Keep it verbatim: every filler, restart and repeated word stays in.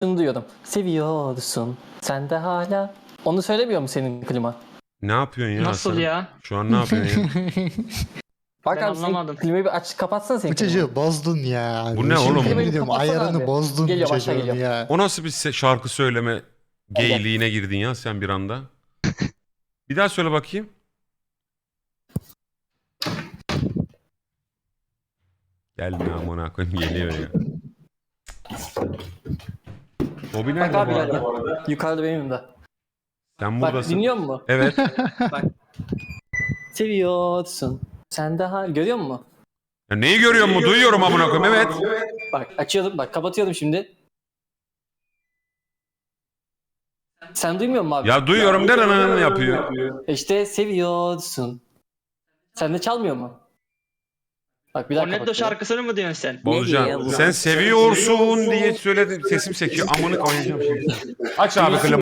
Şunu duyuyordum. Seviyorsun. Sen de hala. Onu söylemiyor mu senin klima? Ne yapıyorsun ya Nasıl Hasan? ya? Şu an ne yapıyorsun ya? Bak Ben abi senin anlamadım. klimayı bir aç kapatsana senin Bu klimayı. çocuğu bozdun ya. Bu ne Şimdi oğlum? yemin ediyorum Kapatsana ayarını abi. bozdun Geliyor, bu başla çocuğun geliyor. ya. O nasıl bir se- şarkı söyleme Gel, gel. geyliğine girdin ya sen bir anda? Bir daha söyle bakayım. Gelme amına koyayım geliyor ya. Bobby Bak nerede abi bu geldi. arada? Yukarıda benim de. Sen Bak buradasın. dinliyor musun? Evet. Bak. Seviyorsun. Sen de hala. Görüyor musun? Ya neyi görüyor mu? Duyuyorum amına koyayım. Evet. Bak açıyordum. Bak kapatıyorum şimdi. Sen duymuyor musun abi? Ya duyuyorum deranın yapıyor. İşte seviyorsun. Sen de çalmıyor mu? Bak bir daha Cornetto kapatıyorum. şarkısını mı diyorsun sen? Bozacağım. Sen seviyorsun diye söyledim. Sesim sekiyor. Amını koyacağım şimdi. Aç abi klimayı.